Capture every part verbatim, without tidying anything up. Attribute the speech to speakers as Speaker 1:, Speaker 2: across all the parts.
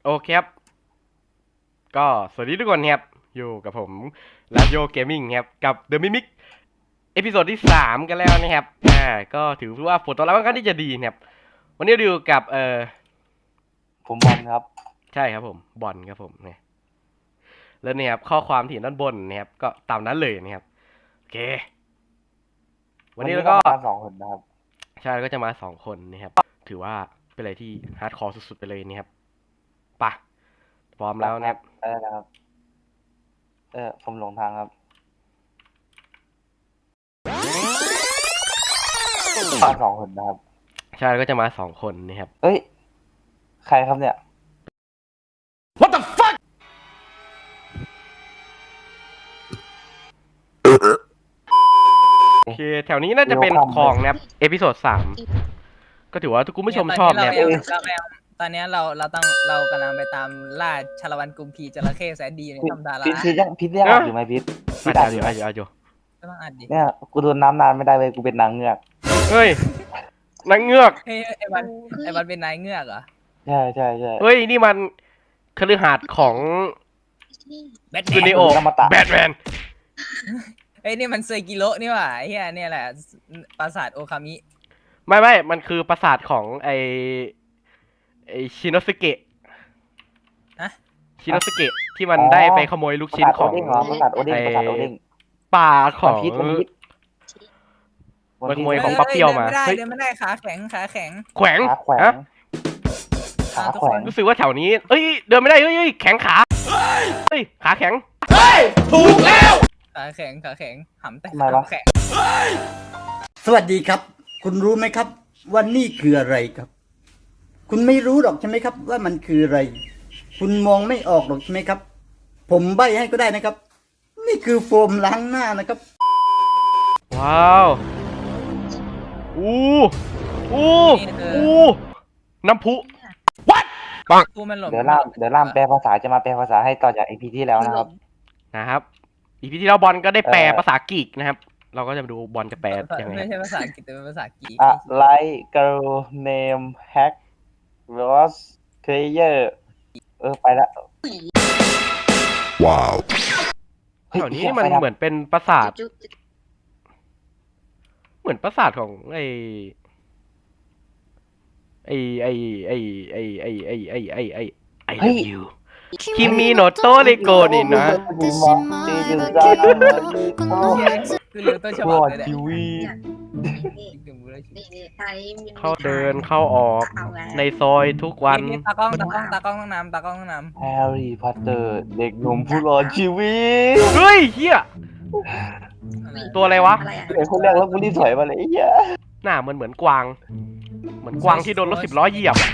Speaker 1: โอเคครับก็สวัสดีทุกคนครับอยู่กับผมลาโยเกมมิ่งครับกับ The Mimic เอพิโซดที่สามกันแล้วนะครับอ่าก็ถือว่าผลตอบรับค่อนข้างที่จะดีนะครับวันนี้เราอยู่กับเอ่อ
Speaker 2: ผมบอลครับ
Speaker 1: ใช่ครับผมบอลครับผมเนี่ยแล้วเนี่ยครับข้อความที่เห็นด้านบนนะครับก็ตามนั้นเลยนะครับโอเควันนี้เราก็
Speaker 2: มาสองคนนะครับ
Speaker 1: ใช่ก็จะมาสองคนนะครับถือว่าเป็นอะไรที่ฮาร์ดคอร์สุดๆไปเลยนะครับปะพร้อมแล้วนะครับ
Speaker 2: เออนะครับเออผมหลงทางครับมาสองคนนะครับ
Speaker 1: ใช่ก็จะมาสองคนนะครับ
Speaker 2: เอ้ยใครครับเนี่ย
Speaker 1: What the fuck โอเคแถวนี้น่าจะเป็นของนะครับเอพิโซดสามก็ถือว่าทุกคุณผู้ชมชอบนะครับ
Speaker 3: ตอนนี้เราเราต้องเรากำลังไปตามล่าชาละวันกุมพีจระเข้แสนดีในถ้ำดารา
Speaker 2: พิษพิษยังพิษยังอ่านอยู่ไหมพิษพิษ
Speaker 1: อา
Speaker 2: อ่าน
Speaker 1: อ
Speaker 2: อยู่
Speaker 1: ยู่
Speaker 2: ไหม
Speaker 1: อายุอายุ
Speaker 3: ก็ต้องอ่านดิ
Speaker 2: เนี่ยกูโดนน้ำนานไม่ได้เลยกูเป็นนางเงือก
Speaker 1: เฮ้ยนางเงือก
Speaker 3: เฮ้ยไอ้วันไอ้วันเป็นนายเงือกเหรอ
Speaker 2: ใช่ใช่ใช่
Speaker 1: เฮ้ยนี่มันคฤหาสน์ของ
Speaker 3: แบท
Speaker 1: ซู
Speaker 3: แม
Speaker 1: นิ
Speaker 3: น
Speaker 1: โอแบทแมน
Speaker 3: เฮ้ยนี่มันเซกิโร่นี่หว่าไอ้เหี้ยเนี่ยแหละปราสาทโอคามิ
Speaker 1: ไม่ไม่มันคือปราสาทของไอไอชินโนสเกะ
Speaker 3: ฮะ
Speaker 1: ชินโนสเกะที่มันได้ไปขโมยลูกชิ้นของ
Speaker 2: ประสาทโอเด้งประสาทโอเด้ง
Speaker 1: ป่าของ
Speaker 2: พิษพิษ
Speaker 1: มันขโมยของปั๊บเปรี้ยวมา
Speaker 3: เฮ้ย
Speaker 1: เฮ้ย
Speaker 3: เดินไม่ได้ขาแข็งขาแข็ง
Speaker 1: แขวง
Speaker 2: ขาแขว
Speaker 1: ฮะ
Speaker 2: งขาแขวง
Speaker 1: รู้สึกว่าแถวนี้เอ้ยเดินไม่ได้เฮ้ยเฮ้ยแข็งขาเฮ้ยขาแข็งเฮ้ยถูกแล้ว
Speaker 3: ขาแข็งขาแข็งหำแต่
Speaker 2: ทำไมวะ
Speaker 3: หำแข็ง
Speaker 4: สวัสดีครับ คุณรู้ไหมครับว่านี่คืออะไรครับ คุณไม่รู้หรอกใช่ไหมครับ ว่ามันคืออะไร คุณมองไม่ออกหรอกใช่ไหมครับ ผมใบ้ให้ก็ได้นะครับ นี่คือโฟมล้างหน้านะครับ
Speaker 1: ว้าวอู้อู้อู้น้ำพุ what ปัง
Speaker 3: กูมันหล่น
Speaker 2: เดี๋ยวล่ามเดี๋ยวล่ามแปลภาษาจะมาแปลภาษาให้ต่อจากอีพีที่แล้วนะครับ
Speaker 1: นะครับอีพีที่แล้วบอลก็ได้แปล
Speaker 2: เอ่อ
Speaker 1: ภาษากรีกนะครับ เราก็จะมาดูบอลจะแปลยังไง
Speaker 3: ไม่ใช่ภาษาอังกฤษแต่เป็นภาษากรีก
Speaker 2: อะไร girl name hack was player เออไปละ
Speaker 5: ว้าว
Speaker 1: แถวนี้มันเหมือนเป็นปราสาท เหมือนปราสาทของไอไอไอไอไอไอไอไอไอไอไอ love you คิมิโนโตะริโกนี่นะ
Speaker 3: คือเรือต้นฉ
Speaker 2: ร
Speaker 3: บับ
Speaker 2: อด
Speaker 3: เลยแหละ
Speaker 2: ทีวี
Speaker 1: เข้าเดินเข้าออกในซอยทุกวัน
Speaker 3: ตากล้องตากล้องตากล้องต้องนำตากล้องต้องน
Speaker 2: แฮร์รี่พอตเตอร์เด็กหนุ่มผู้รอดชีวิต
Speaker 1: เฮ้ยเฮีย
Speaker 3: ำ
Speaker 1: ตัวอะไรวะ
Speaker 2: เด็กคนแรกแล้วกูรีบถอยมาเลยไอ้เหี้ย
Speaker 1: หน้ามันเหมือนกวาง เหมือนกวางที่โดนรถสิบล้อเหยียบ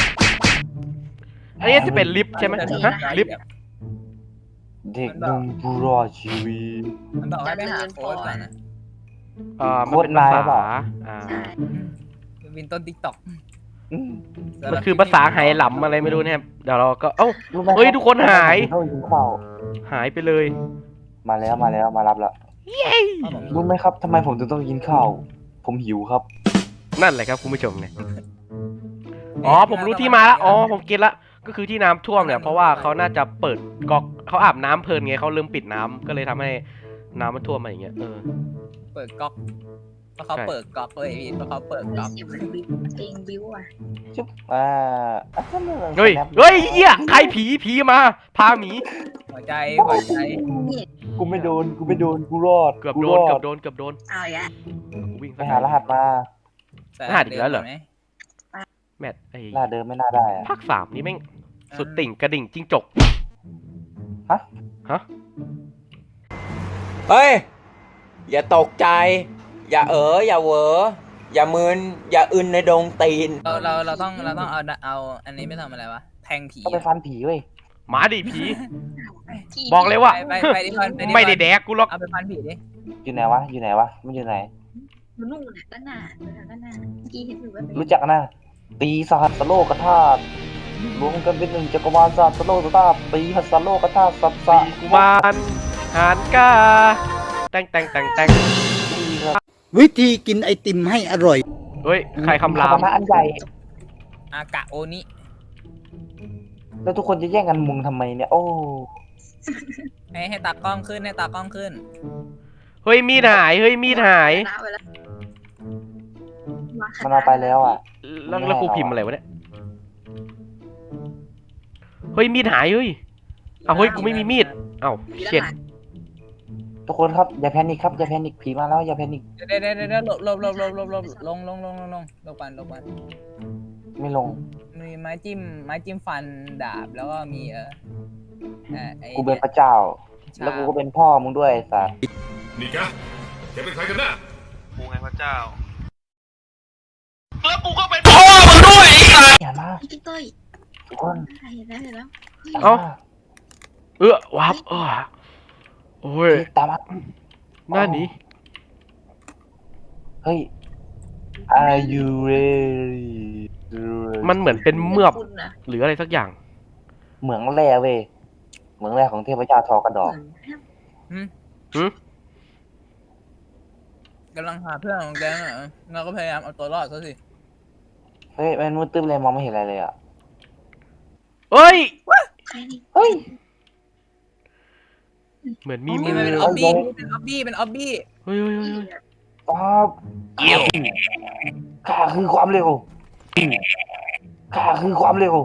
Speaker 1: อันนี้จะเป็นลิฟต์ใช่ไหมฮะลิฟต์
Speaker 2: เด็กหนุ่มผู้รอดชีวิต
Speaker 3: มันบอกให้ไปหาโค้ดก่อนนะ
Speaker 1: เอ่อมันเป็นภาษาอ่า
Speaker 3: วินต้นติ๊กต็อก
Speaker 2: อืม
Speaker 1: มันคือภาษาไหหลำอะไรไม่รู้นะครับ เดี๋ยวเราก็ เอ้า
Speaker 2: รู้ไหม
Speaker 1: เฮ้ยทุกคนหาย
Speaker 2: เข้ากินข้าว
Speaker 1: หายไปเลย
Speaker 2: มาแล้วมาแล้วมารับแล้ว
Speaker 1: เย้
Speaker 2: รู้ไหมครับทำไมผมถึงต้องกินข้าว ผมหิวครับ
Speaker 1: นั่นแหละครับคุณผู้ชมเนี่ย อ๋อผมรู้ที่มาละอ๋อผมเก็ตละ ก็คือที่น้ำท่วมเนี่ยเพราะว่าเขาน่าจะเปิดก๊อกเขาอาบน้ำเพลินไงเขาลืมปิดน้ำก็เลยทำให้น้ำมันท่วมมาอย่างเงี้ย เออ
Speaker 3: เปิดก๊อกเพราะเขาเปิดก๊อกเลยพี่เพราะเขาเปิดก๊อก
Speaker 6: เสียงบิวเพลงบิวอ่ะ
Speaker 2: จุ๊บอ่าอ่ะก็ไม่เป็นไร
Speaker 1: เฮ้ย
Speaker 2: snap
Speaker 1: เฮ้ยเหี้ยใครผีผีมา พาหมี
Speaker 3: หัวใจหัวใจ
Speaker 6: นี่
Speaker 2: กูไม่โดน กูไม่โดน กูรอด
Speaker 1: เกือบ
Speaker 2: กู
Speaker 1: โด
Speaker 2: ร
Speaker 1: น
Speaker 2: อ
Speaker 1: เกือบโดน เกือบโดน
Speaker 6: เอาอีกแล้ว
Speaker 1: กูวิ่ง
Speaker 2: ไปหารหัสมา
Speaker 1: รหัสอีกแล้วเหรอ แมทไอ้
Speaker 2: หน้าเดิมไม่น่าได้อะ
Speaker 1: ภาคสามนี่แม่งสุดติ่งกระดิ่งจิ้งจก
Speaker 2: ฮะ
Speaker 1: ฮะ
Speaker 7: เฮ้ย อย่าตกใจ อย่าเอ๋ออย่าเหวออย่ามึนอย่าอึนในดงตีน
Speaker 3: เราเราเราต้องเราต้องเอาเอาอันนี้ไม่ทำอะไรวะแทงผี
Speaker 2: ต้องไปฟันผีเว้ย
Speaker 1: หมาดิผี บอกเลยว่า
Speaker 3: ไปไปไปดิพันไปดิ
Speaker 1: ไม่ได้แดกกูหรอก
Speaker 3: เอาไปพันผีดิ
Speaker 2: อยู่ไหนวะ อยู่ไหนวะ มันอยู่ไหน
Speaker 6: อยู่นู่นน่ะด้านหน้าด้านหน้าเมื่อกี้เห็นอยู่ว่า
Speaker 2: รู้จักนะ ตีสหัสโลกธาตุรวมกันเป็นหนึ่งจักรวาลสหัสโลกธาตุตีหัสโลกธาตุสัตสะ
Speaker 1: ปีกุมารหานกาแต่งแต่งแต่งแต่ง
Speaker 2: ตีครับ
Speaker 4: วิธีกินไอติมให้อร่อย
Speaker 1: เฮ้ย ใครคำราม
Speaker 2: คำนะอันใหญ่
Speaker 3: อากะโอนิ
Speaker 2: แล้วทุกคนจะแย่งกันมุงทำไมเนี่ย โอ้
Speaker 3: ให้ให้ตากล้องขึ้นให้ตากล้องขึ้น
Speaker 1: เฮ้ยมีดหายเฮ้ยมีดหาย
Speaker 6: เอาไปแล้ว
Speaker 2: มันเอาไปแล้วอ่ะ
Speaker 1: แล้วแล้วกูพิมพ์อะไรวะเนี่ยเฮ้ยมีดหายเฮ้ยอ้าวเฮ้ยกูไม่มีมีดอ้าวเช็ด
Speaker 2: ทุกคนครับอย่าแพนิคครับอย่าแพนิคผีมาแล้วอย่าแพนิค
Speaker 3: เดี๋ยวเดี๋ยวเดี๋ยวเดี๋ยวหลบหลบหลบหลบหลบหลบลงลงลงลงลงลงปันลงปัน
Speaker 2: ไม่ลง
Speaker 3: มีไม้จิ้มไม้จิ้มฟันดาบแล้วก็มีเออเอ่อไอ้
Speaker 2: กูเป็นพระเจ้า
Speaker 3: ใช่
Speaker 2: แล้วกูก็เป็นพ่อมึงด้วยไอ้สัส
Speaker 5: นี่แกแกเป็นใครกันแน่
Speaker 8: กูไงพระเจ้า
Speaker 2: อย่ามา
Speaker 6: พี่เต้ย
Speaker 2: ทุกคน
Speaker 6: เห็นแล้วเห็นแล้ว
Speaker 1: เอ้าเออวับเออโอ้ย
Speaker 2: เฮ้ยตามมา
Speaker 1: หน้านี้
Speaker 2: เฮ้ย Are you ready
Speaker 1: มันเหมือนเป็นเมือบ
Speaker 6: คุณนะ
Speaker 1: หรืออะไรสักอย่าง
Speaker 2: เหมืองแร่เว้ยเหมืองแร่ของเทพเจ้าทอกระดอก
Speaker 3: หืม
Speaker 1: หืม
Speaker 3: กำลังหาเพื่อนของแกน่ะเราก็พยายามเอาตัวรอดซะสิ
Speaker 2: เฮ้ยมันมืดตึ๊บเลยมองไม่เห็นอะไรเลยอ่ะ
Speaker 1: เอ้ย
Speaker 6: ใครนี่
Speaker 2: เฮ้ย
Speaker 1: เหมือนมี
Speaker 3: นี่
Speaker 1: มื
Speaker 3: มัน
Speaker 1: อ
Speaker 3: เป็นออบบี้เป็นออบบี้เป็นออบบี้
Speaker 1: เฮ้ยเฮ้ยเฮ้ยเฮ้ย
Speaker 2: ป๊อปข้าคือความเร็วข้าคือความเร็ว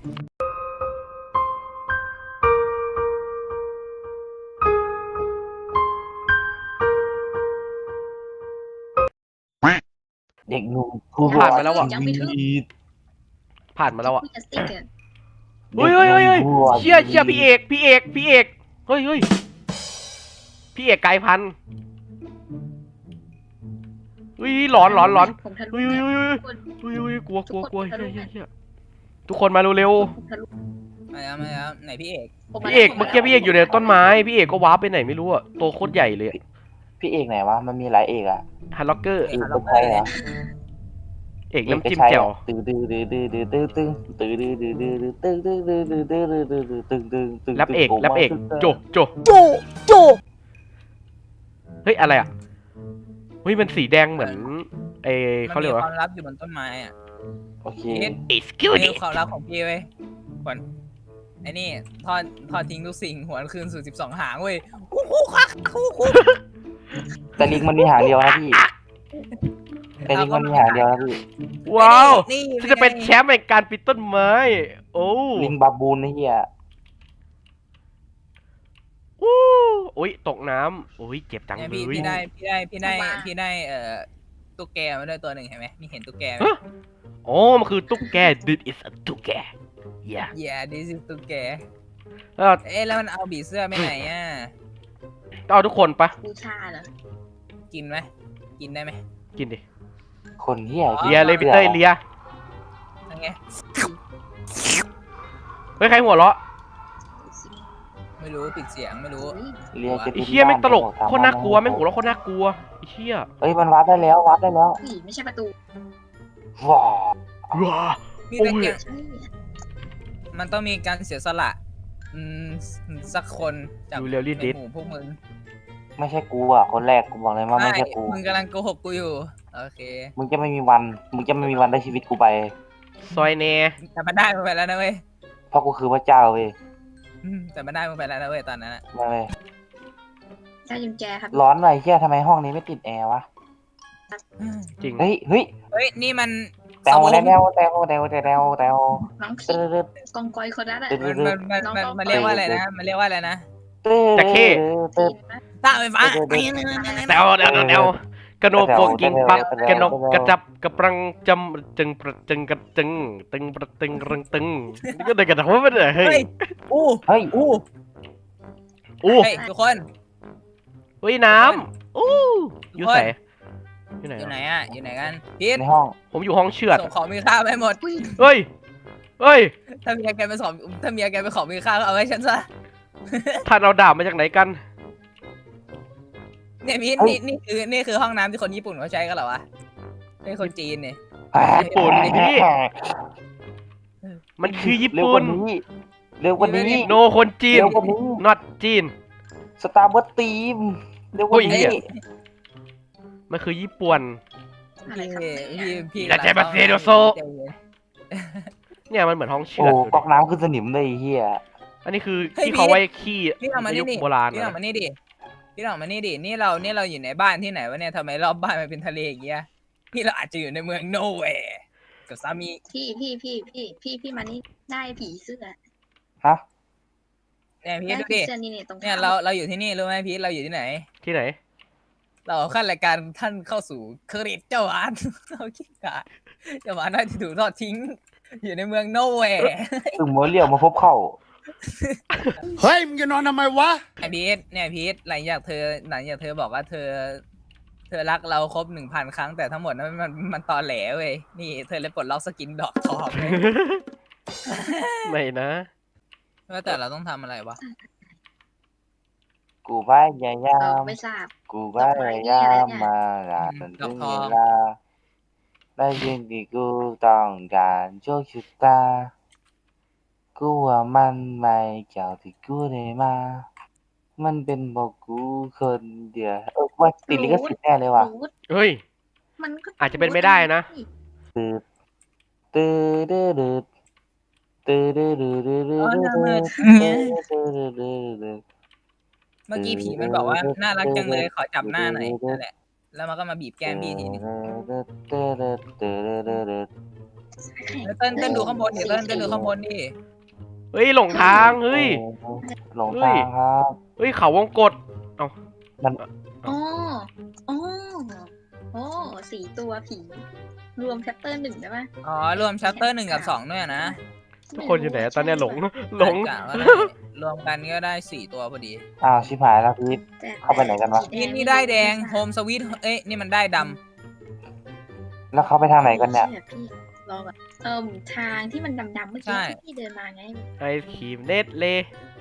Speaker 2: เด็กหนุ่มผู้
Speaker 1: ผ่านมาแล้วอ่ะ
Speaker 6: ยังไม่ถึง
Speaker 1: ผ่านมาแล้วอ่ะ
Speaker 6: พี่จะสติ๊กเกอร์
Speaker 1: เฮ้ยเฮ้ยเฮ้ยเฮ้ยเชี่ยเชี่ยพี่เอกพี่เอกพี่เอกเฮ้ยเฮ้ยพี่เอกไกลพันธุ์เฮ้ยหลอนหลอนหลอน
Speaker 6: ผมทะลุ
Speaker 1: เฮ้ยเฮ้ยเฮ้ย
Speaker 6: คน
Speaker 1: เฮ้ยเฮ้ยกลัวกลัวกลัวเฮ้ยเฮ้ยเฮ้ยทุกคนมาเร็ว
Speaker 6: ผมทะลุ
Speaker 3: มาแล้วมาแล้วไหนพี่เอก
Speaker 6: ผม
Speaker 1: ๆ
Speaker 6: มา
Speaker 1: พี่เอก
Speaker 6: แล้ว
Speaker 1: เมื่อกี้พี่เอกอยู่ในต้นไม้พี่เอกก็วาร์ปไปไหนไม่รู้อ่ะตัวโคตรใหญ่เลย
Speaker 2: พี่เอกไหนวะ มันมีหลายเอกอ่ะ
Speaker 1: ฮันล็อกเกอร์
Speaker 2: เอกเป็นใครเหรอ
Speaker 1: เอกน้ำจิ้มแจ่ว
Speaker 2: ตื้อตื้อตื้อตื้อตื้อตื้อตื้อตื้อตื้อตื้อตื้อตื้อตื้อตื้อตื้อตื้อตื้อตื้อตื้อ
Speaker 1: แรปเอกแรปเอกโจโจ
Speaker 3: โจโจ
Speaker 1: เฮ้ยอะไรอ่ะเฮ้ยมันสีแดงเหมือนเอเขาเรียก
Speaker 3: มันมี
Speaker 1: ว่า
Speaker 3: ความลับอยู่บนต้นไม้อ่ะ
Speaker 2: โอเค
Speaker 1: excuse
Speaker 3: นี่
Speaker 1: me
Speaker 3: ความลับของพี่เว้ยขวัญไอ้นี่ทอดทอดทิ้งทุกสิ่งหวนคืนสู่สิบสองหางเว้ยคู่คู่คักคู่คู่
Speaker 2: แต่ลิงมันมีหางเดียวนะพี่แต่ลิงมันมีหางเดียวนะพี่
Speaker 1: ว้าว
Speaker 3: นี่
Speaker 1: ฉันจะเป็นแชมป์ในการปีนต้นไม้โอ้
Speaker 2: ลิงบาบูนนะเฮีย
Speaker 1: อู้โอ้ยตกน้ำโอ้ยเจ็บจัง
Speaker 3: เนี่ย
Speaker 1: เล
Speaker 3: พี่
Speaker 1: ย
Speaker 3: พี่ได้พี่ได้พี่ได้พี่ได้เอ่อตุ๊กแกมาด้วยตัวหนึ่งเห็นไหมนี่เห็นตุ๊กแกไหม
Speaker 1: ฮะอ๋อมันคือตุ๊กแก this is a ตุ๊กแก yeah
Speaker 3: yeah this is ตุ๊กแก
Speaker 1: เออ
Speaker 3: เอ๊ะแล้วมันเอาบีเสื้อไปไหนอ่ะ
Speaker 1: เอาทุกคนปะ
Speaker 6: บูชาเหรอ
Speaker 3: กินไหมกินได้ไหม
Speaker 1: กินดิ
Speaker 2: คนเฮีย
Speaker 1: เลียเลยพี่เต้ยเลีย
Speaker 3: ยังไง
Speaker 1: เฮ้ยใครหัวเราะ
Speaker 3: ไม่รู้ปิดเสียงไม่รู้
Speaker 2: เลียจะ
Speaker 1: ไอ้เหี้ยแม่งตลกโคตรน่ากลัวแม่งหัวเราะโคตรน่ากลัวไอ้เหี้ย
Speaker 2: เฮ้ยมันวัดได้แล้ววัดได้แล้ว
Speaker 6: ผีไม่ใช่ประตู
Speaker 2: ว้า
Speaker 1: ว้า
Speaker 3: พี่
Speaker 1: โอ้
Speaker 3: ตะ
Speaker 1: ย
Speaker 3: เกียง
Speaker 6: ใช่
Speaker 3: มันต้องมีการเสียสละอืมสักคนจาก
Speaker 1: ดูเร็วรีด
Speaker 3: ใน
Speaker 1: ดิส
Speaker 3: หมู่พวกมึง
Speaker 2: ไม่ใช่กูอ่ะคนแรกกูบอกเลยว่าไม่ใช่กู
Speaker 3: มึงกำลังโกหกกูอยู่โอเค
Speaker 2: มึงจะไม่มีวันมึงจะไม่มีวันได้ชีวิตกูไป
Speaker 1: ซอยเน
Speaker 3: แต่มันได้มาไปแล้วนะเว้ย
Speaker 2: เพราะกูคือพระเจ้าเว้ย
Speaker 3: อืมแต่มันได้มาไปแล้วนะเว้ยตอนนั้นอะ
Speaker 2: มาเลย
Speaker 6: ได้กุญแจครับ
Speaker 2: ร้อนหน่อยเฮียทำไมห้องนี้ไม่ติดแอร์วะ
Speaker 1: จริง
Speaker 2: เฮ้ยเฮ้ย
Speaker 3: เฮ้ยนี่มัน
Speaker 2: แตวแตวแตวแตวแตวแตวแตว
Speaker 6: น้อง
Speaker 2: ตึ๊
Speaker 6: คิ
Speaker 2: ด
Speaker 6: ด
Speaker 2: ตึ๊ด
Speaker 6: กองกอยคนนั้นอะ
Speaker 3: มันมันมันมันมันเรียกว่าอะไรนะมันเรียกว่าอะไรนะ
Speaker 2: ตึ๊ด
Speaker 1: จะเข้
Speaker 2: ตึ๊ด
Speaker 3: ตาไฟฟ้า
Speaker 1: แตวแตวแตวกระโนโปกิงปักกระนกกระจับกระปรังจำจึงประจึงกระจึงตึงประตึงรังตึงนี่ก็ได้กระทำว่าเฮ้
Speaker 3: เฮ้
Speaker 1: ย
Speaker 3: ยอู้
Speaker 2: เฮ้ย
Speaker 3: อู้
Speaker 1: อู้
Speaker 3: เฮ้ยทุกคน
Speaker 1: เฮ้ยน้ำอู้อยู่ไหนอยู่ไหน
Speaker 3: อยู่ไหน
Speaker 1: อะ
Speaker 3: อะอยู่ไหนกันพีท
Speaker 2: ในห้อง
Speaker 1: ผมอยู่ห้องเชือด
Speaker 3: ส่งของมีค่าไปหมด
Speaker 6: อุ้ย
Speaker 1: เฮ้ยเฮ้ย
Speaker 3: ถ้าเมียแกเป็นของถ้าเมียแกเป็นของมีค่าก็เอาไว้ฉันซะ
Speaker 1: ท่านเอาดาบมาจากไหนกัน
Speaker 3: เนี่ยพีทนี่นี่คือนี่คือห้องน้ำที่คนญี่ปุ่นเขาใช้กันเหรอวะนี่คนจีนเนี่ย
Speaker 1: ญี่ปุ่นพี่มันคือญี่
Speaker 2: เร็วก
Speaker 1: ปุ่
Speaker 2: ว่าน นี้เร็วกว่านี้
Speaker 1: โนคนจีน
Speaker 2: เร็วกว่านี้
Speaker 1: not จีน
Speaker 2: สตาร์บัคทีมเร็วกว่า
Speaker 1: โอ้ยเหี้
Speaker 2: นี้
Speaker 1: ย มันคือญี่ปุ่น
Speaker 6: อะไร
Speaker 3: พี่
Speaker 6: ครับ
Speaker 3: พี่พี่
Speaker 1: แล้วใช้บัตรเซโดโซ
Speaker 3: ใจเย็น
Speaker 1: เนี่ยมันเหมือนห้องเชื
Speaker 2: โอ้
Speaker 1: อดดู
Speaker 2: ก๊อก
Speaker 1: ดิ
Speaker 2: น้ำขึ้นสนิมเลยไอ้เฮีย
Speaker 1: อันนี้คือ
Speaker 3: เฮ้ย
Speaker 1: ที่เขา
Speaker 3: พี่
Speaker 1: ไว้ขี้
Speaker 3: พี่เอามา
Speaker 1: ใน
Speaker 3: นี่
Speaker 1: ยุค
Speaker 3: ดิ
Speaker 1: โบราณ
Speaker 3: พี่เอา
Speaker 1: นะ
Speaker 3: มานี่ดิพี่เอามานี่ดินี่เรานี่เราอยู่ในบ้านที่ไหนวะเนี่ยทำไมรอบบ้านมันเป็นทะเลอย่างเงี้ยนี่เราอาจจะอยู่ในเมืองโนเวย์กับสามี
Speaker 6: พี่พี่พี่พี่พี่พี่มานี่ได้ผีเสื้อ
Speaker 2: ฮะ
Speaker 3: เนี่ยพี่
Speaker 6: ได้
Speaker 3: ดู
Speaker 6: ผี
Speaker 3: ดิ
Speaker 6: เสื้อนี่เนี่ยตรง
Speaker 3: เนี่ย
Speaker 6: ท้
Speaker 3: เราเราอยู่ที่นี่รู้ไหมพี่เราอยู่ที่ไหน
Speaker 1: ที่ไหน
Speaker 3: เราขั้นรายการท่านเข้าสู่เครดิตเจ้าหวาน เราคิดกะเจ้าหวานได้ที่ถูกทอดทิ้ง อยู่ในเมืองโนเวย์
Speaker 2: ถึงโมเรียวมาพบเข้า
Speaker 8: เฮ้ย มึงจะนอนทำไมวะ
Speaker 3: ไอพีทเนี่ยพีทหลังจากเธอหลังจากเธอบอกว่าเธอ เธอรักเราครบหนึ่งพันครั้งแต่ทั้งหมดนั้นมันมันตอแหลเว้ยนี่เธอเลยปลดล็อกสกินดอกทองเลย
Speaker 1: ไม่นะ
Speaker 3: ว่าแต่เราต้องทำอะไรวะ
Speaker 2: กูพยายา
Speaker 6: เออ
Speaker 2: ม
Speaker 6: ไม่ทราบ
Speaker 2: กูพยายามมาลาจนถึงเวลาได้ยินที่กูต้องการโชคชะตากูว่ามันไม่เกี่ยวที่กูได้มา มันเป็นบอกกูคนเดียวเออว่าติดลิขสิทธิ์แน่เลยว่ะ
Speaker 6: รูท
Speaker 1: เฮ้ย
Speaker 6: มันก็
Speaker 1: อาจจะเป็นไม่ได้นะ
Speaker 2: ตืดตืดตืดตืดตืดตืดตืดตืดตืดตืด
Speaker 3: เมื่อกี้ผีมันบอกว่าน่ารักจังเลยขอจับหน้าหน่อยนั่นแหละแล้วมันก็มาบีบแก้มพี่ทีนึงแล้วเต้นเต้นดูข้างบนดิเต้นเต้นดูข้างบนดิ
Speaker 1: เฮ้ยหลงทางเฮ้ย
Speaker 2: หลงทางครับ
Speaker 1: เฮ้ยเขาวงกตเอ้า
Speaker 6: อ๋ออ๋อโอ้สี่ตัวผี รวมแชปเตอร์หนึ่งได้ไหม
Speaker 3: อ๋อรวมชัตเตอร์หนึ่งกับสองด้วยนะ
Speaker 1: ทุกคนอยู่ไหนอะตอนเนี้ยหลงหลง
Speaker 3: กะว่าได้รวมกันก็ได้สี่ตัวพอดี
Speaker 2: อ้าวชิบหายแล้วพีท
Speaker 6: แต่
Speaker 2: เข้าไปไหนกันวะ
Speaker 3: นี่นี่ได้แดงโฮมสวีทเอ้ยนี่มันได้ด
Speaker 2: แล้วเขาไปทางไหนกันเนี่ย
Speaker 6: ชื่อพี่รอก่อนเอิ่มทางที่มันดำๆเมื่อกี้ที่พี่เดินมาไง
Speaker 1: ไอศครีมเนตเล่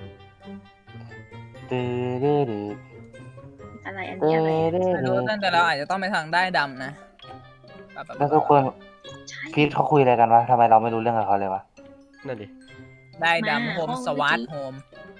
Speaker 2: ตืดตืด
Speaker 6: อะไรอัน
Speaker 2: ตื
Speaker 6: นี้อะไร
Speaker 2: ดตื
Speaker 3: ำไม่รู้
Speaker 2: ด
Speaker 3: เต้นแต่เราอาจจะต้องไปทางได้ดำนะแบบแบบ
Speaker 2: แล้วทุกคน
Speaker 6: ใช่
Speaker 2: พีทเขาคุยอะไรกันวะทำไมเราไม่รู้เรื่องกับเขาเลยวะ
Speaker 1: นั่นดิ
Speaker 3: ได้ดำโฮมสวัสดโฮม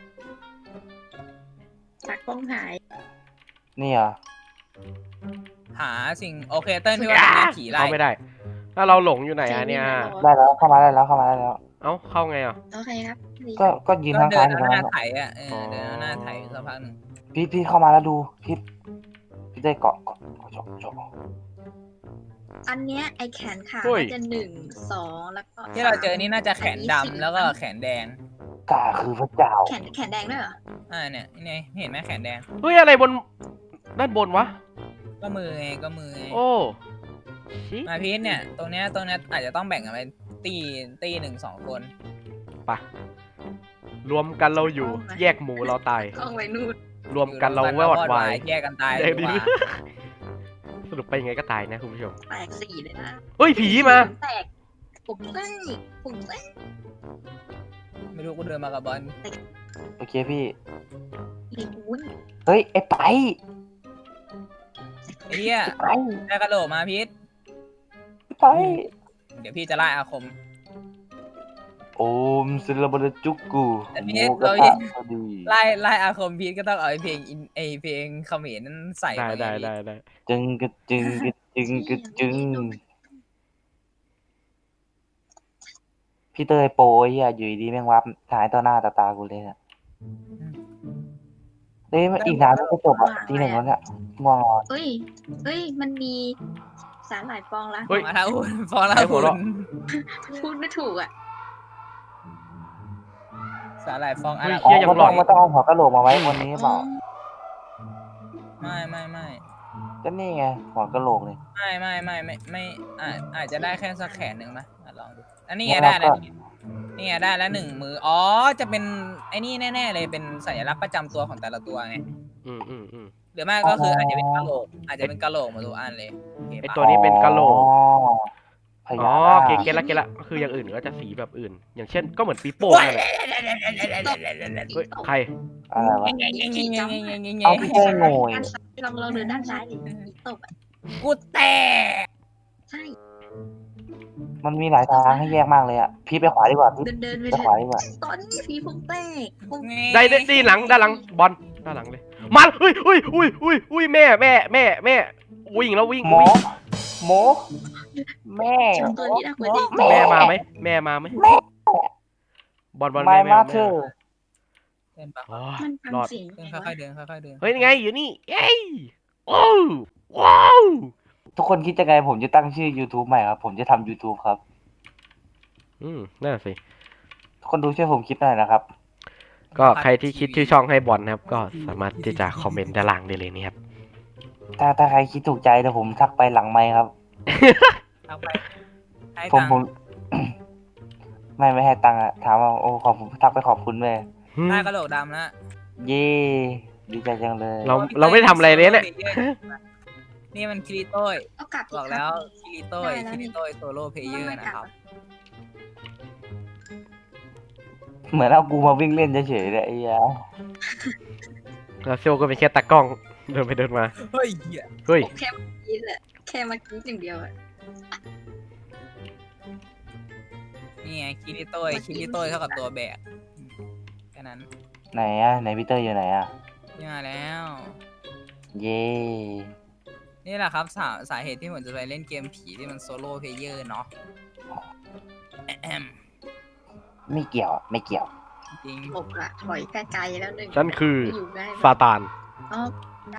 Speaker 6: จากกล้องหาย
Speaker 2: นี่เหรอ
Speaker 3: หาสิ่งโอเคเต้นพี่ว่าเป็นผีไล่
Speaker 1: เข้าไม่ได้ ถ้าเราหลงอยู่ไหนอะเนี่ย
Speaker 2: ได้แล้วเข้ามาได้แล้วเข้ามาได้แล้ว
Speaker 1: เอ้าเข้าไงอ่ะ
Speaker 6: โอเคครับดี
Speaker 2: ก็ก็ยืน
Speaker 3: ก็
Speaker 2: ข้าง
Speaker 3: เดิ
Speaker 2: ซ้าน ยอยู่ตรง
Speaker 3: เอาหน้า
Speaker 2: นั้น
Speaker 3: ไถอ่ะเออเดินเอาหน้าไถสักพักหนึ่ง
Speaker 2: พีทพีทเข้ามาแล้วดูพีทพีทได้เกาะเกาะเกาะจบจบ
Speaker 6: อันเนี้ยไอแขนขา
Speaker 1: เฮ้ย
Speaker 6: มันจะหนึ่งสองแล้วก็
Speaker 3: ที่เราเจอนี่น่าจะแขนดำแล้วก็แขนแดง
Speaker 2: กาคือพระเจ้า
Speaker 6: แขนแขนแดงด้วยเหรอ
Speaker 3: อ่าเนี่ยนี่ไงเห็นไหมแขนแดง
Speaker 1: เฮ้ยอะไรบนด้านบนวะ
Speaker 3: ก็มือไงก็มือไง
Speaker 1: โอ้ชิ
Speaker 3: มาพีทเนี่ยตรงเนี้ยตรงเนี้ยอาจจะต้องแบ่งกันเป็นตีตีหนึ่งสองคน
Speaker 1: ปะรวมกันเราอยู่ แยกหมูเราตาย
Speaker 6: กล้องไว้นู่น
Speaker 1: รวมกันเราวอดวาย
Speaker 3: แยกกันตาย
Speaker 1: แยกดี
Speaker 3: ดีกว่า
Speaker 1: สรุปไปยังไงก็ตายนะคุณผู้ชม
Speaker 6: แตกสี่เลยนะ
Speaker 1: เฮ้ยผีมา
Speaker 6: ผมแตกผมแตกผมแตก
Speaker 3: ไม่รู้กูเดินมากับบอล
Speaker 2: โอเคพี่
Speaker 6: ไอ้วุ้น
Speaker 2: เฮ้ยไอ้ไป
Speaker 3: ไอ้เหี้ย
Speaker 2: ไป
Speaker 3: ได้กระโหลกมาพีท
Speaker 2: ไป
Speaker 3: เดี๋ยวพี่จะไล่อาคม
Speaker 2: โอมศิลปะจุกกู
Speaker 3: อันนี้
Speaker 2: หมูกระ
Speaker 3: เรา
Speaker 2: ทะพอดี
Speaker 3: ไล่ไล่อาคมพีทก็ต้องเอาไอ้เพลงอินไอเพลงเขมรนั้นใส่
Speaker 1: ได้
Speaker 3: ป
Speaker 1: ได้
Speaker 3: ง
Speaker 1: ได้ได้
Speaker 2: จึงกึดจึงกึดจึงกึดจึงพี่เตยโปรไอ้เหี้ยอยู่ดีๆแม่งวับหายต่อหน้าต่อตากูเลยเนี่ยเฮ้ยอีกนานไม่จบอ่ะทีหนึ่งแล้วเนี่ยง่วงนอน
Speaker 6: เอ้ยเอ้ย มันมีสารหลายฟองละ
Speaker 1: เฮ้ย
Speaker 3: ฟองละหุ่นฟองละ
Speaker 1: ไอ้หั
Speaker 3: หุ่
Speaker 1: วเราะ
Speaker 3: น
Speaker 6: พูดไม่ถูกอ่ะ
Speaker 3: สาหร่ายฟองอะ
Speaker 1: เฮ้
Speaker 3: ไร
Speaker 1: ย เหี้ยยัง
Speaker 2: มัน
Speaker 1: หล
Speaker 2: ต้
Speaker 1: อ
Speaker 2: อน งมันต้องเอาหัวกะโหลกมาไว้บนนี้เปล่า
Speaker 3: ไม่ไม่ไม่
Speaker 2: ก็นี่ไงหัวกะโหลกเลย
Speaker 3: ไม่ไม่ไม่ไม่ไม่อาจอาจจะได้แค่สักแขนหนึ่งไหมอ่ะลองดูอันนี้ไงได้แล้วนี่นี่ไงได้แล้วหนึ่งมืออ๋อจะเป็นไอ้นี่แน่ๆเลยเป็นสัญลักษณ์ประจำตัวของแต่ละตัวไง
Speaker 1: อืมอืมอืม
Speaker 3: หรือไม่ก็คืออาจจะเป็นกะโหลกอาจจะเป็นกะโหลกมาทุกอันเลยโอเค
Speaker 1: ไอ
Speaker 3: ปะ
Speaker 1: ตัวนี้เป็นกะโหลก
Speaker 2: อ๋อพ
Speaker 1: อ๋
Speaker 2: ญา
Speaker 1: อ
Speaker 2: นาค
Speaker 1: เกเกละเกละก็คืออย่างอื่นก็จะสีแบบอื่น อย่างเช่นก็เหมือนปีโป้นั่นแหละเฮ้ยใคร
Speaker 2: อะไรวะ
Speaker 6: ขี่จ้ำ
Speaker 2: เอาพี่เต้ยโง่ย
Speaker 6: ด้านซ้ายลองลองเดินด้านซ้ายดิมีตบอ่ะ
Speaker 3: กูแตก
Speaker 6: ใช่
Speaker 2: มันมีหลายทางให้แยกมากเลยอ่ะ พี่ไปขวาดีกว่าพี่
Speaker 6: เดินเดินไป
Speaker 2: ไป
Speaker 6: เถ
Speaker 2: ขวา
Speaker 6: อะ
Speaker 2: ดีกว่า
Speaker 6: ตอนนี้ผีผมแตกผม
Speaker 1: ได้ได้ดีหลังด้านหลังบอลด้านหลังเลยมาอุ้ยอุ้ยอุ้ยอุ้ยอุ้ยแม่แม่แม่แม่วิ่งแล้ววิ่ง
Speaker 2: หมอ
Speaker 1: วิ่ง
Speaker 2: หมอแม่
Speaker 6: จำตัวนี้ได้คนดี
Speaker 1: แม่มาไหมแม่มาไหมบอลบอล
Speaker 2: ไม่
Speaker 1: แม่แม่
Speaker 2: มา
Speaker 1: แม่
Speaker 2: เธอ
Speaker 3: เดินปะ
Speaker 1: อ๋อ
Speaker 6: มันฟัง
Speaker 1: รอด
Speaker 6: เสียง
Speaker 3: เดิน
Speaker 6: ไง
Speaker 3: ค่อยๆเดินค่อยๆเดิน
Speaker 1: เฮ้ยนี่ไงอยู่นี่เอ้ยโอ้ว้าว
Speaker 2: ทุกคนคิดยังไงผมจะตั้งชื่อ YouTube ใหม่ครับ ผมจะทำ YouTube ครับ
Speaker 1: อืมนั่นนะสิ
Speaker 2: ทุกคนดูช่วยผมคิดหน่อยนะครับ
Speaker 1: ก็ใครที่คิดชื่อช่องให้บอลนะครับ ก็สามารถที่จะคอมเมนต์ด้านล่างได้เลยนะครับ
Speaker 2: ถ้าถ้าใครคิดถูกใจเดี๋ยวผมทักไปหลังไมค์ครับ
Speaker 3: เอาไปให้
Speaker 2: ผม
Speaker 3: ตัง
Speaker 2: ผม
Speaker 3: ค์
Speaker 2: ไม่ไม่ให้ตังค์อะถามว่าโอ้ขอบคุณทักไปขอบคุณเลย
Speaker 3: ได้กระโหลกดำแล้ว
Speaker 2: เย่ดีใจจังเลย
Speaker 1: เราเราไม่ทำอะไรเลยเนี่ย
Speaker 3: นี่มันคิริโต้ย
Speaker 6: เอากลับ
Speaker 3: บอกแล้วคิริโต้ย
Speaker 6: ได้แล้ว
Speaker 3: คิ
Speaker 6: นี่
Speaker 3: ริโต้ยโซโล่เพลเยอร์นะครับ
Speaker 2: เหมือนเอากูมาวิ่งเล่นเฉยๆเลยไอ้ยา
Speaker 1: แล้วโซก็เป็นแค่ตากล้องเดินไปเดินมา
Speaker 3: เฮ้ยเหี้ย
Speaker 1: เฮ้ย
Speaker 6: แค่เมื่อกี้แหละแค่เมื่อกี้อย่างเดียวอะ
Speaker 3: นี่ไงคิริโต้ยคิริโต้ยเท่ากับตัวแบกแค่นั้น
Speaker 2: ไหนอะไหนพีเตอร์อยู่ไหนอะ
Speaker 3: นี่มาแล้ว
Speaker 2: เย่
Speaker 3: นี่แหละครับสาสาเหตุที่ผมจะไปเล่นเกมผีที่มันโซโล่เพลเยอร์เนาะแอม
Speaker 2: ไม่เกี่ยวอะไม่เกี่ยว
Speaker 3: จริง
Speaker 6: หลบละถอยไกลๆแล้วหนึ่ง
Speaker 1: ฉันคือ
Speaker 6: อยู่ได้
Speaker 1: ซาตาน
Speaker 6: อ๋อ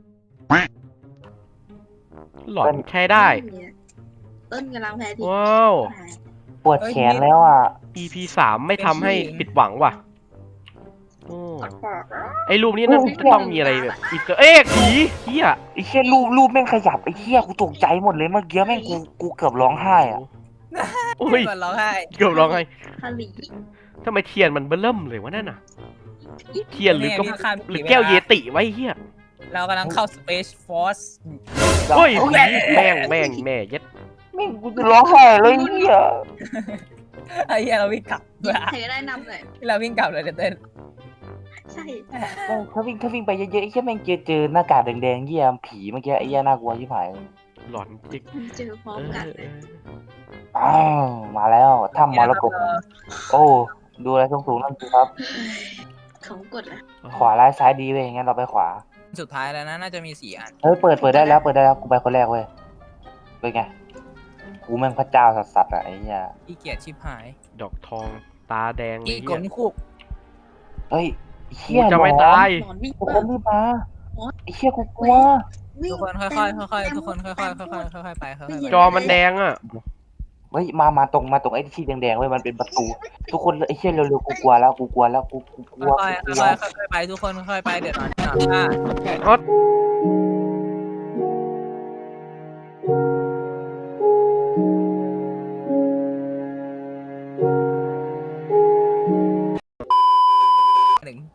Speaker 1: หลอนใช้ได้
Speaker 6: ต้นกำลังแพ้ที
Speaker 1: ว้าว
Speaker 2: ปวดแขนแล้วอ่ะ
Speaker 1: อี พี สามไม่ทำให้ผิดหวังว่ะโอ้
Speaker 6: ปอกแล้ว
Speaker 1: ไอ้รูปนี้น่าจะต้องมีอะไรแบบอีเตอร์เอ็กผีเฮีย
Speaker 2: ไอ้เชี่ยรูปรูปแม่งขยับไอ้เชี่ยกูตกใจหมดเลยเมื่อกี้แม่งกูกูเกือบร้องไห้อ่ะ
Speaker 1: โอ้ย
Speaker 3: ก่อนร้องไห้
Speaker 1: เกือบร้องไห้
Speaker 6: ผลิ
Speaker 1: ทำไมเทียนมันเบิ่มเลยวะนั่นน่ะเทียนหรือก็
Speaker 3: นี่ข้าม
Speaker 1: หรือแก้วเยติไว้เฮีย
Speaker 3: เรากำลังเข้า Space Force
Speaker 1: โอ้ยผีแม่งแม่งแม่เย็ด
Speaker 2: แม่งกูจะร้องไห้เลยเหี้ย
Speaker 3: ไอ้เหี้ยเราวิ่งกลับ
Speaker 6: เธอได้นำเลย
Speaker 3: เราวิ่งกลับเลยเต้น
Speaker 6: ใช่
Speaker 2: แม่งถ้าวิ่งถ้าวิ่งไปเยอะๆไอ้เชี่ยแม่งเจอเจอหน้ากากแดงๆเหี้ยผีเมื่อกี้ไอ้เหี้ยน่ากลัวชิบหายเลย
Speaker 1: หลอนจริง
Speaker 6: เจอพร้อ
Speaker 1: เอ
Speaker 6: ม
Speaker 1: อ
Speaker 6: กันเลย
Speaker 2: อ้าวมาแล้วถ้ำมรกตโอ้ดูอะไรสูงๆนั่นสิครับ
Speaker 6: เขากดละ
Speaker 2: ขวาร้ายซ้ายดีเว้ยงั้นเราไปขวา
Speaker 3: สุดท้ายแล้วนะน่าจะมีสี่อัน
Speaker 2: เฮ้ยเปิดเปิดได้แล้วเปิดได้แล้วกูไปคนแรกเว้ยเป็นไงกูแม่งพระเจ้าสัสๆอ่ะไอ้เหี้ย
Speaker 3: อีเกียรชิบหาย
Speaker 1: ดอกทองตาแดง
Speaker 3: อี
Speaker 1: ไอ้
Speaker 3: ก
Speaker 1: เหี้
Speaker 3: ล
Speaker 1: ย
Speaker 3: นคุก
Speaker 2: เฮ้ยไอ้
Speaker 1: กู
Speaker 2: เหี้ย
Speaker 1: จะไม่
Speaker 2: หนอน
Speaker 1: ตาย
Speaker 6: หนอนวิ่ง
Speaker 2: ทุกคนรีบมาไอ้เชี่ยกูกลัว
Speaker 6: วิ่ง
Speaker 3: ทุกคนค่อยๆค่อยๆทุกคนค่อยๆค่อยๆค่อยๆไปค่อยๆไป
Speaker 1: จอมันแดงอ่ะ
Speaker 2: เฮ้ยมามาตรงมาตรงไอ้ที่แดงๆเว้ยมันเป็นประตู ทุกคนไอ้เชี่ยเร็วๆกูกลัวแล้วกูกลัวแล้วกูกูกลัว
Speaker 3: ค่อย
Speaker 2: กู
Speaker 3: ๆ
Speaker 2: กลัว
Speaker 3: ค่อยๆค่อยๆไปทุกคนค่อยๆไปเดี๋ยวนอนนอนค่ะ
Speaker 1: อ๋อ
Speaker 3: หนึ่ง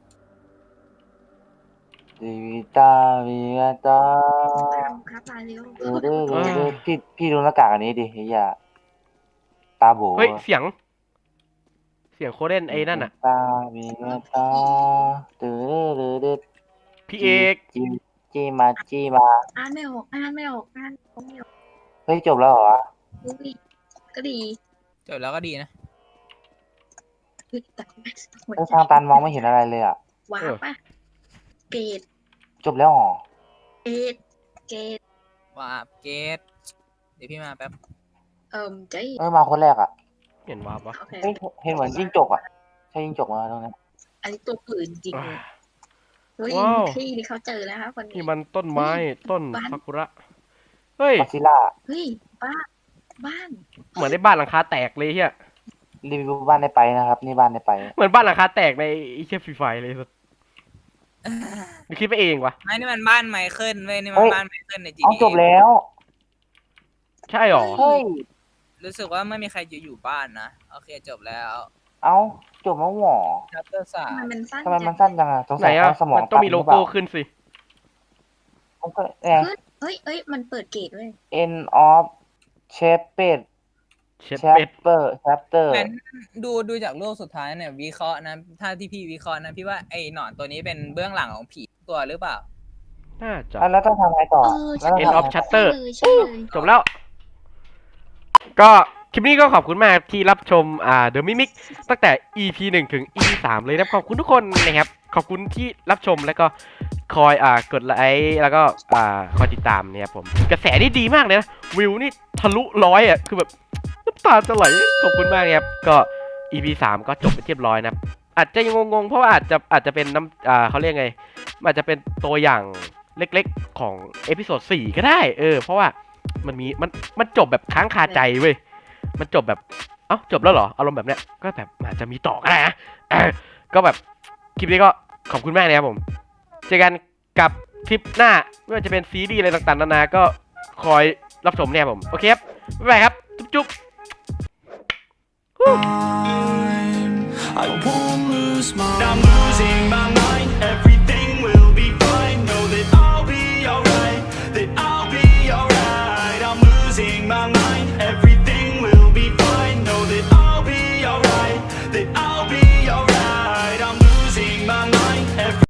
Speaker 2: ดีวิตาวิตา
Speaker 6: ตามครับมาเร็ว
Speaker 2: ดูดูดูดูพี่พี่ดูหน้ากากอันนี้ดิไอ้เหี้ยตาโบ
Speaker 1: เฮ้ยเสียง เสียงโคเดนไอ้นั่นอ่ะ
Speaker 2: ตาวิตาดูดูดู
Speaker 1: พี่เอก
Speaker 2: จีจีมาจีมา
Speaker 6: อ่านไม่ออกอ่านไม่ออกอ่านไม่ออก
Speaker 2: เฮ้ยจบแล้วเหรอ
Speaker 6: อุ้ยก็ดี
Speaker 3: จบแล้วก็ดีนะ
Speaker 6: เฮ้ยแต่หัว
Speaker 2: เฮ้ย
Speaker 6: ใจ
Speaker 2: ทางตันมองไม่เห็นอะไรเลยอ่ะ
Speaker 6: ว้าวป่ะเกรด
Speaker 2: จบแล้วเหรอ
Speaker 6: เกรดเกรด
Speaker 3: ว่าเกตเดี๋ยวพี่มาแป๊บ
Speaker 6: เอิ่มใจ
Speaker 2: เอ้ยมาคนแรกอ่ะ
Speaker 1: เห็นวาบปะ
Speaker 6: โอเค
Speaker 2: เฮ้ยเห็นเหมือนจิ้งจกอ่ะใช่จิ้งจกมาตรงนี้
Speaker 6: อันนี้ตัวปืนจริงเลยเฮ้ยพี่นี่เขาเจอแล้วครับคน
Speaker 1: นี่
Speaker 6: นี้
Speaker 1: มันต้นไม้ต้น
Speaker 6: บ้าน
Speaker 1: ซากุระ เฮ้ย
Speaker 2: กอซิล่า
Speaker 6: เฮ้ยบ้านบ้าน
Speaker 1: เหมือนในบ้านหลังคาแตกเลยเฮีย
Speaker 2: รีวิวบ้านได้ไปนะครับ นี่บ้านได้ไป
Speaker 1: เหมือนบ้านหลังคาแตกในไอ้เชี่ยฟรีไฟเลยสุดนี่คิดไปเองวะ
Speaker 3: ไม่นี่มันบ้านไมเคิลเว้ยนี่มันบ้านไมเคิลในจี
Speaker 2: เอาจบแล้ว
Speaker 1: ใช่หรอ
Speaker 2: เฮ้ย
Speaker 3: รู้สึกว่าไม่มีใครอยู่อยู่บ้านนะโอเคจบแล้ว
Speaker 2: เอาจบแล้วหวอ
Speaker 3: ชัปเตอร์สา
Speaker 6: ทำ
Speaker 3: ม
Speaker 6: ไมมันสั้น
Speaker 2: ทำไมมันสั้นจังอะสง
Speaker 1: ไหน
Speaker 2: สัย
Speaker 1: อ่ะ
Speaker 2: เขาสมอง
Speaker 1: มันต้องมีโลโก้ขึ้นสิ
Speaker 2: มันก็เนี่ย
Speaker 6: เฮ้ยเอ้ยมันเปิดเกตเว้ย
Speaker 2: end of chapter
Speaker 1: เช็ดเป็ด
Speaker 2: chapter chapter
Speaker 3: งั้นดูดูจากรูปสุดท้ายเนี่ยวิเคราะห์นะถ้าที่พี่วิเคราะห์นะพี่ว่าไอ้หนอนตัวนี้เป็นเบื้องหลังของผีตัวหรือเปล่า
Speaker 1: น่าจะ
Speaker 2: แล้วต้องทำไงต่อ
Speaker 6: เออ
Speaker 2: แล้วต้อง
Speaker 1: End
Speaker 2: ทำ
Speaker 1: of
Speaker 2: ไง
Speaker 1: Shutter
Speaker 6: เลยใช่เลย
Speaker 1: จบแล้ว ก็คลิปนี้ก็ขอบคุณมากที่รับชมอ่า The Mimic ตั้งแต่ อี พี หนึ่งถึง อี พี สามเลยนะครับขอบคุณทุกคนนะครับ ขอบคุณที่รับชมแล้วก็คอยอ่ากดไลค์แล้วก็อ่าคอยติดตามเนี่ยครับผมกระแสนี่ดีมากเลยนะวิวนี่ทะลุร้อยอ่ะคือแบบน้ำตาจะไหลขอบคุณมากครับก็ อี พี สามก็จบไปเรียบร้อยนะครับอาจจะยังงงๆเพราะว่าอาจจะอาจจะเป็นน้ำอ่าเขาเรียกไงอาจจะเป็นตัวอย่างเล็กๆของเอพิโซดสี่ก็ได้เออเพราะว่ามันมีมันมันจบแบบค้างคาใจเว้ยมันจบแบบเอ้าจบแล้วเหรออารมณ์แบบเนี้ยก็แบบอาจจะมีต่อก็ได้นะเออก็แบบคลิปนี้ก็ขอบคุณมากเลยครับผมเจอกันกับคลิปหน้าไม่ว่าจะเป็นซีรีส์อะไรต่างๆนานาก็คอยรับชมเนี่ยผมโอเคครับบ๊ายบายครับจุ๊บๆ
Speaker 9: I won't lose my I'm losing my